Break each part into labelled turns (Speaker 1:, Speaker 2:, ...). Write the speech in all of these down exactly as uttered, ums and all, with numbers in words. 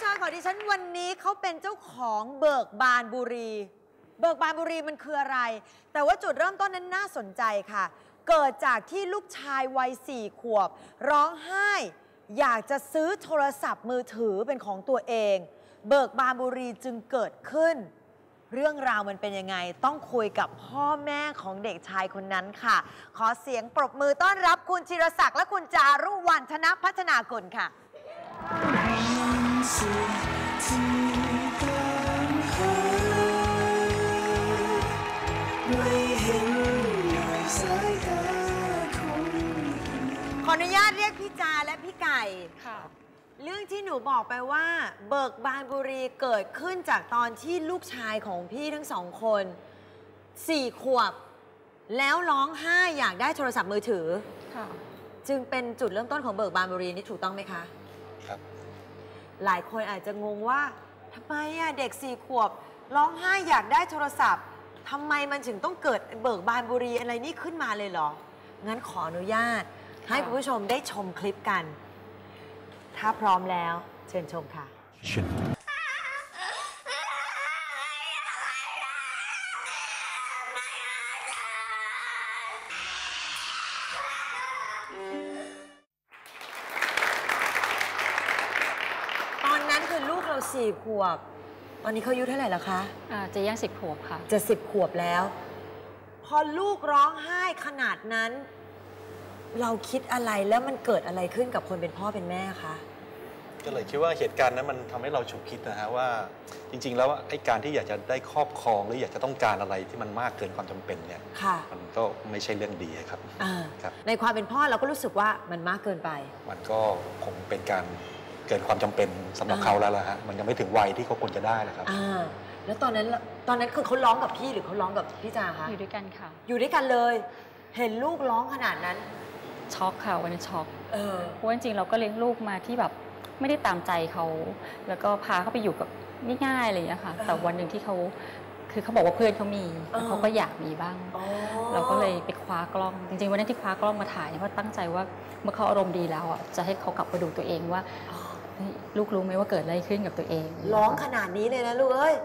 Speaker 1: าของดิฉันวันนี้เขาเป็นเจ้าของเบิกบานบุรี เบิกบานบุรีมันคืออะไรแต่ว่าจุดเริ่มต้นนั้นน่าสนใจค่ะเกิดจากที่ลูกชายวัยสี่ขวบร้องไห้อยากจะซื้อโทรศัพท์มือถือเป็นของตัวเองเบิกบานบุรีจึงเกิดขึ้นเรื่องราวมันเป็นยังไงต้องคุยกับพ่อแม่ของเด็กชายคนนั้นค่ะขอเสียงปรบมือต้อนรับคุณธีรศักดิ์และคุณจารุวรรณธนพัฒนากุลค่ะขออนุญาตเรียกพี่จาและพี่ไก่ค่ะเรื่องที่หนูบอกไปว่าเบิกบานบุรีเกิดขึ้นจากตอนที่ลูกชายของพี่ทั้งสองคนสี่ขวบแล้วร้องไห้อยากได้โทรศัพท์มือถือค่ะจึงเป็นจุดเริ่มต้นของเบิกบานบุรีนี่ถูกต้องไหมคะครับหลายคนอาจจะงงว่าทำไมอะเด็กสี่ขวบร้องไห้อยากได้โทรศัพท์ทำไมมันถึงต้องเกิดเบิกบานบุรีอะไรนี่ขึ้นมาเลยเหรองั้นขออนุญาตให้คุณผู้ชมได้ชมคลิปกันถ้าพร้อมแล้วเชิญชมค่ะตอนนั้นคือลูกเราสี่ขวบตอนนี้เขาอายุเท่าไหร่แล้วคะ
Speaker 2: อ่าจะย่างสิบขวบค่ะ
Speaker 1: จะสิบขวบแล้วพอลูกร้องไห้ขนาดนั้นเราคิดอะไรแล้วมันเกิดอะไรขึ้นกับคนเป็นพ่อเป็นแม่คะ
Speaker 3: ก็เลยคิดว่าเหตุการณ์นั้นมันทำให้เราฉุกคิดนะฮะว่าจริงๆแล้วไอ้การที่อยากจะได้ครอบครองหรืออยากจะต้องการอะไรที่มันมากเกินความจำเป็นเนี่ยมันก็ไม่ใช่เรื่องดีครับ
Speaker 1: ครับในความเป็นพ่อเราก็รู้สึกว่ามันมากเกินไป
Speaker 3: มันก็คงเป็นการเกินความจำเป็นสำหรับเขาแล้วล่ะฮะมันยังไม่ถึงวัยที่เขาควรจะได้เลยครับ
Speaker 1: แล้วตอนนั้นตอนนั้นคือเขาร้องกับพี่หรือเขาร้องกับพี่จาคะ
Speaker 2: อยู่ด้วยกันค่ะ
Speaker 1: อยู่ด้วยกันเลยเห็นลูกร้องขนาดนั้น
Speaker 2: ช็อกค่ะวันนี้ช็อกเพราะจริงๆเราก็เลี้ยงลูกมาที่แบบไม่ได้ตามใจเขาแล้วก็พาเขาไปอยู่กับง่ายๆอะไรอย่างเงี้ยค่ะแต่วันหนึ่งที่เขาคือเขาบอกว่าเพื่อนเขามีเขาก็อยากมีบ้างเราก็เลยไปคว้ากล้องจริงๆวันนั้นที่คว้ากล้องมาถ่ายเนี่ยเพราะตั้งใจว่าเมื่อเขาอารมณ์ดีแล้วอ่ะจะให้เขากลับมาดูตัวเองว่าลูกรู้ไหมว่าเกิดอะไรขึ้นกับตัวเอง
Speaker 1: ร้องขนาดนี้เลยนะลูกเอ้ย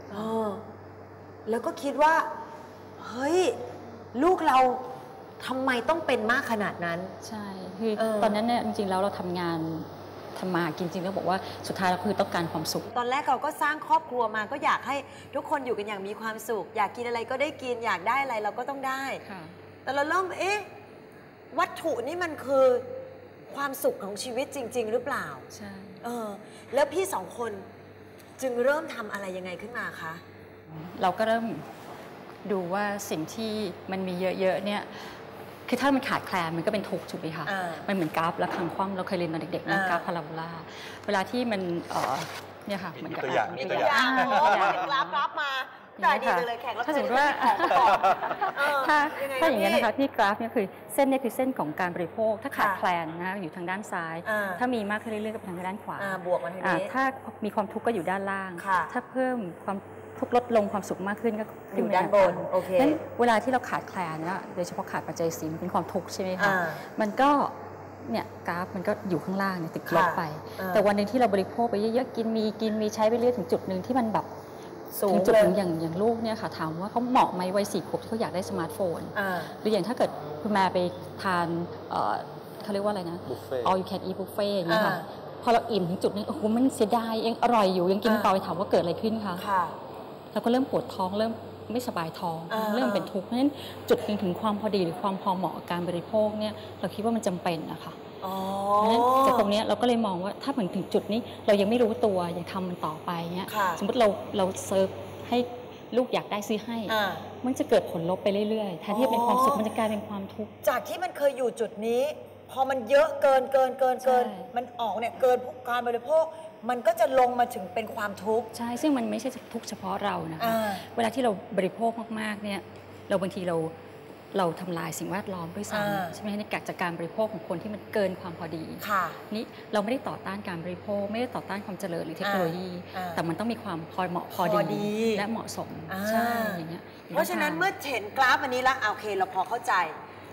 Speaker 1: แล้วก็คิดว่าเฮ้ยลูกเราทำไมต้องเป็นมากขนาดนั้น
Speaker 2: ใช่คือตอนนั้นเนี่ยจริงๆแล้วเราทำงานทำมากินจริงแล้วบอกว่าสุดท้ายเราคือต้องการความสุข
Speaker 1: ตอนแรกเราก็สร้างครอบครัวมาก็อยากให้ทุกคนอยู่กันอย่างมีความสุขอยากกินอะไรก็ได้กินอยากได้อะไรเราก็ต้องได้แต่เราเริ่มเอ๊ะวัตถุนี่มันคือความสุขของชีวิตจริงๆหรือเปล่า
Speaker 2: ใช่
Speaker 1: เออแล้วพี่สองคนจึงเริ่มทำอะไรยังไงขึ้นมาคะ
Speaker 2: เราก็เริ่มดูว่าสิ่งที่มันมีเยอะๆเนี่ยคือถ้ามันขาดแคลนมันก็เป็นทุกข์ถูกไหมคะมันเหมือนกราฟระฆังคว่ำเราเคยเรียนตอนเด็กๆนะกราฟพาราโบลาเวลาที่มันเนี่ยค่ะเหมือนกับ
Speaker 3: ตัวอย่าง
Speaker 1: มีตัวอย่างกราฟกราฟมาได้ดีเลยแข่งแล้วถ้าสมมติว่า
Speaker 2: ถ้าถ้าอย่างนี้นะคะที่กราฟเนี่ยคือเส้นเนี่ยคือเส้นของการบริโภคถ้าขาดแคลนนะอยู่ทางด้านซ้ายถ้ามีมากขึ้นเรื่อยๆก็ไปทางด้านขวา
Speaker 1: บวกมาทางนี้
Speaker 2: ถ้ามีความทุกข์ก็อยู่ด้านล่างถ้าเพิ่มความทุกลดลงความสุขมากขึ้นก็
Speaker 1: อยู่ด้านบนโอเค
Speaker 2: นั้นเวลาที่เราขาดแคลนนะโดยเฉพาะขาดปัจจัยสี่มันเป็นความทุกข์ใช่ไหมคะมันก็เนี่ยกราฟมันก็อยู่ข้างล่างเนี่ยติดลบไปแต่วันหนึ่งที่เราบริโภคไปเยอะๆกินมีกินมีใช้ไปเรื่อยถึงจุดหนึ่งที่มันแบบถึงจุดหนึ่งอย่างอย่างลูกเนี่ยค่ะถามว่าเขาเหมาะไหมวัยสี่ขวบที่เขาอยากได้สมาร์ทโฟนหรืออย่างถ้าเกิดคุณแม่ไปทานเขาเรียกว่าอะไรนะ all you can eat buffet อย่างเงี้ยค่ะพอเราอิ่มถึงจุดนึงโอ้โหมันเสียดายยังอร่อยอยู่ยังกินต่อไปถามว่าเกิดอะไรขึ้นคะเราก็เริ่มปวดท้องเริ่มไม่สบายท้องเริ่มเป็นทุกข์เพราะฉะนั้นจุดหนึ่งถึงความพอดีหรือความพอเหมาะกับการบริโภคเนี่ยเราคิดว่ามันจำเป็นนะคะเพราะฉะนั้นจากตรงนี้เราก็เลยมองว่าถ้าถึงถึงจุดนี้เรายังไม่รู้ตัวยังทำมันต่อไปเนี่ยสมมติเราเราเซิร์ฟให้ลูกอยากได้ซื้อให้มันจะเกิดผลลบไปเรื่อยๆแทนที่จะเป็นความสุขมันจะกลายเป็นความทุกข์
Speaker 1: จากที่มันเคยอยู่จุดนี้พอมันเยอะเกินเกินเกินเกินมันออกเนี่ยเกินการบริโภคมันก็จะลงมาถึงเป็นความทุกข์
Speaker 2: ใช่ซึ่งมันไม่ใช่ทุกข์เฉพาะเรานะคะเวลาที่เราบริโภคมากๆเนี่ยเราบางทีเราเราทำลายสิ่งแวดล้อมด้วยซ้ำใช่ไหมในการจากการบริโภคของคนที่มันเกินความพอดีนี่เราไม่ได้ต่อต้านการบริโภคไม่ได้ต่อต้านความเจริญหรือเทคโนโลยีแต่มันต้องมีความพอเหมาะพอดีและเหมาะสมใช่อย่างเงี้ย
Speaker 1: เพราะฉะนั้นเมื่อเห็นกราฟอันนี้แล้วโอเคเราพอเข้าใจ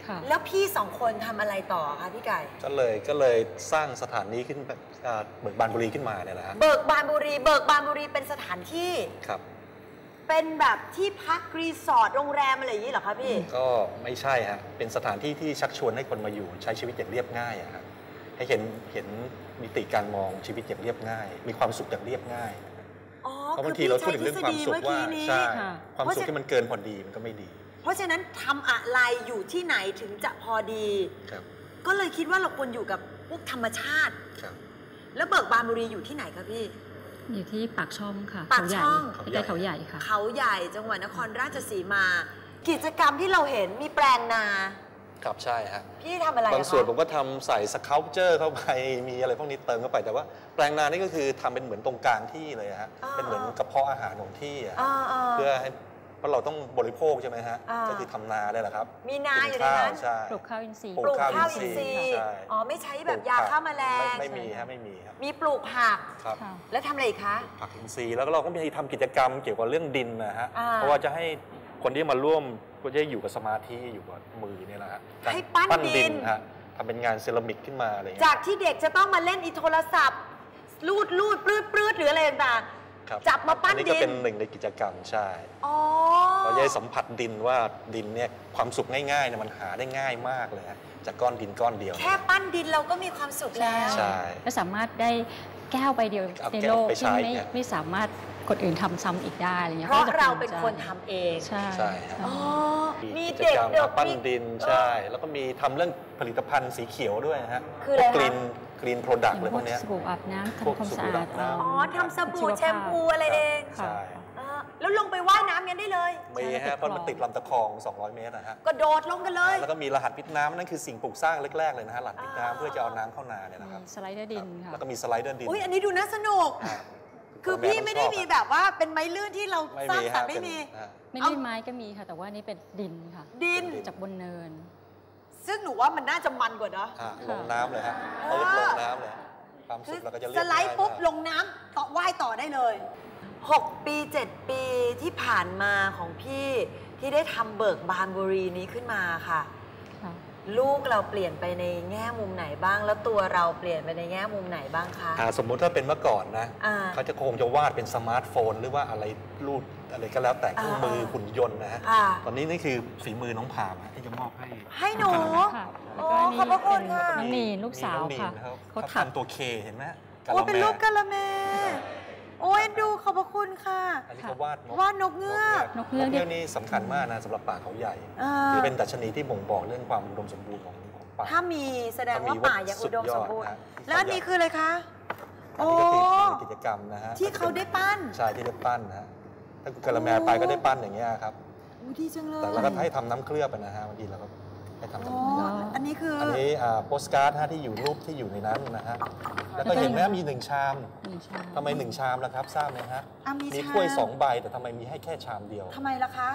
Speaker 1: แล้วพี่สองคนทำอะไรต่อคะพี่ไก่
Speaker 3: ก็เลยก็เลยสร้างสถานีขึ้นเบิกบานบุรีขึ้นมาเนี่ยแหละฮะ
Speaker 1: เบิกบานบุรีเบิกบานบุรีเป็นสถานที่
Speaker 3: ครับ
Speaker 1: เป็นแบบที่พักรีสอร์ทโรงแรมอะไรอย่างนี้เหรอคะพี่
Speaker 3: ก็ไม่ใช่ฮะเป็นสถานที่ที่ชักชวนให้คนมาอยู่ใช้ชีวิตอย่างเรียบง่ายอะครับให้เห็นเห็นมิติการมองชีวิตอย่างเรียบง่ายมีความสุขอย่างเรียบง่ายเพราะบางทีเราพูดถึงเรื่องความสุขว่าใช่ความสุขที่มันเกินพอดีมันก็ไม่ดี
Speaker 1: เพราะฉะนั้นทำอะไรอยู่ที่ไหนถึงจะพอดีก็เลยคิดว่าเราควรอยู่กับพวกธรรมชาติแล้วเบิกบานบุรีอยู่ที่ไหนคะพี่
Speaker 2: อยู่ที่ปากช่องค่ะ
Speaker 1: ปากช่อง
Speaker 2: ใกล้เขาใหญ่ค่ะ
Speaker 1: เขาใหญ่จังหวัดนครราชสีมากิจกรรมที่เราเห็นมีแปลงนา
Speaker 3: ครับใช่ฮะ
Speaker 1: พี่ทำอะไร
Speaker 3: บางส่วนผมก็ทำใส่สเคัลเจอร์เข้าไปมีอะไรพวกนี้เติมเข้าไปแต่ว่าแปลงนานี่ก็คือทำเป็นเหมือนตรงกลางที่เลยฮะเป็นเหมือนกระเพาะอาหารของที่เพื่อให้เพราะเราต้องบริโภคใช่ไหมฮะก็คือทำนาได้แหละครับ
Speaker 1: มีนาอยู่ในนั้น
Speaker 2: ปลูกข้าวอินทรีย์
Speaker 1: ปลูกข้าวอินทรีย์อ๋อไม่ใช้แบบยาฆ่าแมลง
Speaker 3: ไม่มีฮะไม่มีครับ
Speaker 1: มีปลูกผัก
Speaker 3: ครับ
Speaker 1: แล้วทำอะไรอีกคะ
Speaker 3: ผักอินทรีย์แล้วเราก็มีทำกิจกรรมเกี่ยวกับเรื่องดินนะฮะเพราะว่าจะให้คนที่มาร่วมก็จะอยู่กับสมาธิอยู่กับมือเนี่ยแหละฮะ
Speaker 1: ให้ปั้นดิน
Speaker 3: ฮะทำเป็นงานเซรามิกขึ้นมาอะไร
Speaker 1: จากที่เด็กจะต้องมาเล่นอีโทรศัพท์ลูดลูดปลื้ดปลื้ดหรืออะไรต่างจับมาปั้นดิน
Speaker 3: นี่ก็เป็นหนึ่งในกิจกรรมใช่เราจะสัมผัสดินว่าดินเนี่ยความสุขง่ายๆเนี่ยมันหาได้ง่ายมากเลยจากก้อนดินก้อนเดียว
Speaker 1: แค่ปั้นดินเราก็มีความสุขแล้ว
Speaker 3: ใช่
Speaker 2: และสามารถได้แก้วใบเดียวในโลกที่ไม่ไม่สามารถคนอื่นทำซ้ำอีกได้อะไรเงี้ย
Speaker 1: เพราะเราเป็นคนทำเอง
Speaker 2: ใช่
Speaker 3: ใช่
Speaker 1: มี
Speaker 3: เด็กปั้นดินใช่แล้วก็มีทำเรื่องผลิตภัณฑ์สีเขียวด้วยฮะ
Speaker 1: คืออะไร
Speaker 3: กรีนกรีนโปรดักต์อะไรพวกนี้
Speaker 2: สบู่อาบน้ำทำความสะอาด
Speaker 1: อ๋อทำสบู่แชมพูอะไรเอง
Speaker 3: ใช่
Speaker 1: แล้วลงไปว่ายน้ำกันได้เลย
Speaker 3: มีฮะเพราะมันติดลำตะคองสองร้อยเมตรนะฮะ
Speaker 1: ก็โดดลงกันเลย
Speaker 3: แล้วก็มีรหัสพิษน้ำนั่นคือสิ่งปลูกสร้างแรกๆเลยนะฮะรหัสพิษน้ำเพื่อจะเอาน้ำเข้านาเนี่ยนะครับ
Speaker 2: สไลเดอร์ดินค่ะ
Speaker 3: แล้วก็มีสไลเดอร์ดิน
Speaker 1: อุ้ยอันนี้ดูน่าสนุกคือพี่ไม่ได้มีแบบว่าเป็นไม้ลื่นที่เราสร้างสรรค์ไม่มี
Speaker 2: ไม่ลื่นไม้ก็มีค่ะแต่ว่านี่เป็นดินค่ะ
Speaker 1: ดิน
Speaker 2: จากบนเนิน
Speaker 1: ซึ่งหนูว่ามันน่าจะมันกว่าเนาะ
Speaker 3: ลงน้ำเลยฮะเปิดลงน้ำเลยความสุขเราก็จะเรียก
Speaker 1: สไลด์ปุ๊บลงน้ำต่อว่ายต่อได้เลยหกปีเจ็ดปีที่ผ่านมาของพี่ที่ได้ทำเบิกบานบุรีนี้ขึ้นมาค่ะลูกเราเปลี่ยนไปในแง่มุมไหนบ้างแล้วตัวเราเปลี่ยนไปในแง่มุมไหนบ้างคะ
Speaker 3: สมมุติถ้าเป็นเมื่อก่อนนะเขาจะคงจะวาดเป็นสมาร์ทโฟนหรือว่าอะไรรูดอะไรก็แล้วแต่เครื่องมือหุ่นยนต์นะฮะตอนนี้นี่คือฝีมือน้องพามที่จะมอบให้
Speaker 1: ให้หนูโอ้ขอบพระคุณค่ะ
Speaker 2: น้องนีลูกสาวค่ะ
Speaker 3: เขาทำตัวเคเห็นไหม
Speaker 1: โอ้เป็นรูปกะละแมโอ้ยดูขอบพระคุณค่ะ
Speaker 3: อันนี้เขาวาด
Speaker 1: วาดนกเงือก
Speaker 2: นกเงือก
Speaker 3: นี่สำคัญมากนะสำหรับป่าเขาใหญ่คือเป็นดัชนีที่บ่งบอกเรื่องความอุดมสมบูรณ์ของป่า
Speaker 1: ถ้ามีแสดงว่าป่ายังอุดมสมบูรณ์แล้วนี่คืออะไรคะ
Speaker 3: โอ้กิจกรรมนะฮะ
Speaker 1: ที่เขาได้ปั้น
Speaker 3: ใช่ที่ได้ปั้นนะฮะถ้าคุณกะละแมไปก็ได้ปั้นอย่างเงี้ยครับ
Speaker 1: ดีจังเลย
Speaker 3: แต่เราก็ให้ทำน้ำเคลือบนะฮะบางทีเราก็ให้ทำน้ำเคลือบ
Speaker 1: อันนี้คือ
Speaker 3: อันนี้โปสการ์ดที่อยู่รูปที่อยู่ในนั้นนะฮะแล้วก็เห็นไหมมีหนึ่งชามทำไมหนึ่งชามล่ะครับทราบไหมฮะมีถ้วยสองใบแต่ทำไมมีให้แค่ชามเดียว
Speaker 1: ทำไมล่ะคะ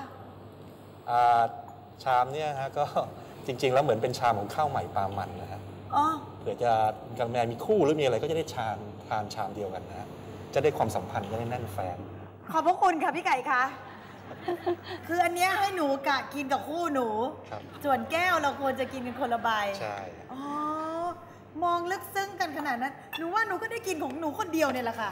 Speaker 3: ชามเนี่ยฮะก็จริงๆแล้วเหมือนเป็นชามของข้าวใหม่ปลามันนะฮะเผื่อจะกะละแมมีคู่หรือมีอะไรก็จะได้ชามทานชามเดียวกันนะฮะจะได้ความสัมพันธ์จะได้แน่นแฟ้น
Speaker 1: ขอบพระคุณค่ะพี่ไก่คะคืออันนี้ให้หนูกะกินกับคู่หนูส่วนแก้วเราควรจะกินกันคนละใบ
Speaker 3: ใช่
Speaker 1: อ๋อมองลึกซึ้งกันขนาดนั้นหนูว่าหนูก็ได้กินของหนูคนเดียวเนี่ยแหละค่ะ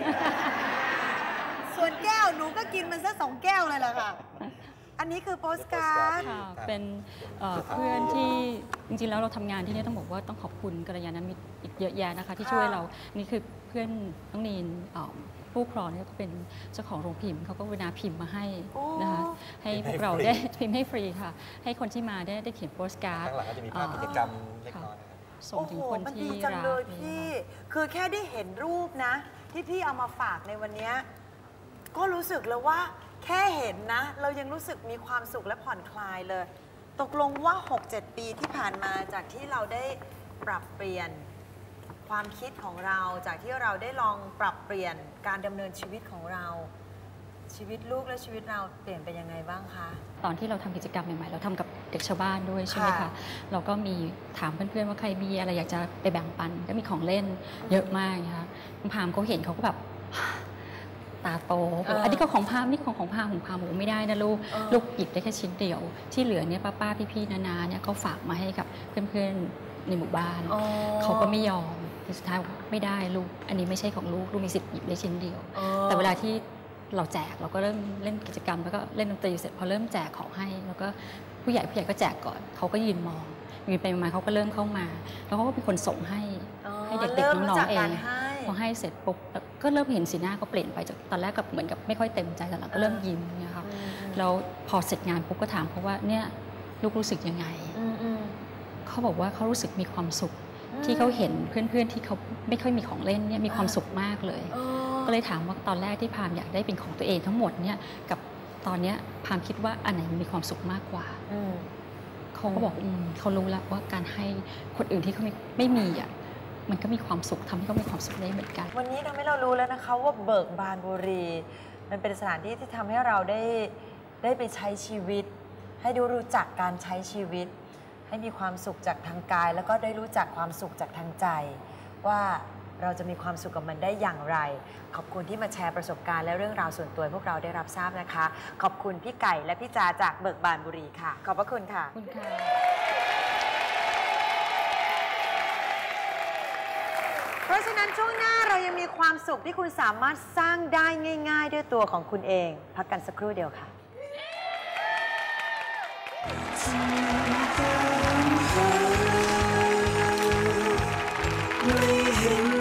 Speaker 1: ส่วนแก้วหนูก็กินมันซะสองแก้วเลยแหละค่ะอันนี้คือโปสการ์ด
Speaker 2: เป็นเพื่อนที่จริงๆแล้วเราทำงานที่นี่ต้องบอกว่าต้องขอบคุณกัลยาณมิตรอีกเยอะแยะนะคะที่ช่วยเรานี่คือเพื่อนน้องนีนผู้ครองเนี่ยก็เป็นเจ้าของโรงพิมพ์เขาก็เวลาพิมพ์มาให้นะคะให้พวกเราได้พิมพ์ให้ฟรีค่ะให้คนที่มาได้ได้เขียนโปสการ์ด
Speaker 3: ข้างหลังก็จะมีภาพกิจกรรมเล็กน้อย
Speaker 2: ส่งถึงคนที่รัก
Speaker 1: พี่คือแค่ได้เห็นรูปนะที่พี่เอามาฝากในวันนี้ก็รู้สึกแล้วว่าแค่เห็นนะเรายังรู้สึกมีความสุขและผ่อนคลายเลยตกลงว่า หกเจ็ด ปีที่ผ่านมาจากที่เราได้ปรับเปลี่ยนความคิดของเราจากที่เราได้ลองปรับเปลี่ยนการดำเนินชีวิตของเราชีวิตลูกและชีวิตเราเปลี่ยนไปยังไงบ้างคะ
Speaker 2: ตอนที่เราทำกิจกรรมใหม่ๆเราทำกับเด็กชาวบ้านด้วยใช่ไหมคะเราก็มีถามเพื่อนๆว่าใครมีอะไรอยากจะไปแบ่งปันก็มีของเล่นเยอะมากนะคะคุณพามเขาเห็นเขาก็แบบตาโตบอกอันนี้ก็ของพามนี่ของของพามของพามบอกไม่ได้นะลูกลูกหยิบได้แค่ชิ้นเดียวที่เหลือเนี่ยป้าป้าพี่ๆนาๆเนี่ยเขาฝากมาให้กับเพื่อนๆในหมู่บ้านเขาก็ไม่ยอมสุดท้ายไม่ได้ลูกอันนี้ไม่ใช่ของลูกลูกมีสิทธิ์หยิบได้ชิ้นเดียวแต่เวลาที่เราแจกเราก็เริ่มเล่นกิจกรรมแล้วก็เล่นดนตรีเสร็จพอเริ่มแจกของให้แล้วก็ผู้ใหญ่ผู้ใหญ่ก็แจกก่อนเขาก็ยืนมองยืนไปมาเขาก็เริ่มเข้ามาแล้วเขาก็เป็นคนส่งให้ให้เด็กๆน้องๆเองพอให้เสร็จปุ๊บก็เริ่มเห็นสีหน้าเขาเปลี่ยนไปจากตอนแรกกับเหมือนกับไม่ค่อยเต็มใจแต่หลังก็เริ่มยิ้มเนี่ยค่ะแล้วพอเสร็จงานปุ๊บก็ถามเขาว่าเนี่ยลูกรู้สึกยังไงเขาบอกว่าเขารู้สึกมีความสุขที่เขาเห็นเพื่อนๆที่เขาไม่ค่อยมีของเล่นเนี่ยมีความสุขมากเลยก็เลยถามว่าตอนแรกที่พามอยากได้เป็นของตัวเองทั้งหมดเนี่ยกับตอนนี้พามคิดว่าอันไหนมีความสุขมากกว่าเขาก็บอกเขารู้แล้วว่าการให้คนอื่นที่เขาไม่ไม่มีอ่ะมันก็มีความสุขทำให้เขามีความสุขได้เหมือนกัน
Speaker 1: วันนี้ทำให้เรารู้แล้วนะคะว่าเบิกบานบุรีมันเป็นสถานที่ที่ทำให้เราได้ได้ไปใช้ชีวิตให้ดูรู้จักการใช้ชีวิตให้มีความสุขจากทางกายแล้วก็ได้รู้จักความสุขจากทางใจว่าเราจะมีความสุขกับมันได้อย่างไรขอบคุณที่มาแชร์ประสบการณ์และเรื่องราวส่วนตัวพวกเราได้รับทราบนะคะขอบคุณพี่ไก่และพี่จาจากเบิกบานบุรีค่ะขอบพระคุณค่ะ
Speaker 2: คุณค่ะ
Speaker 1: เพราะฉะนั้นช่วงหน้าเรายังมีความสุขที่คุณสามารถสร้างได้ง่ายๆด้วยตัวของคุณเองพักกันสักครู่เดียวค่ะไม่เห็น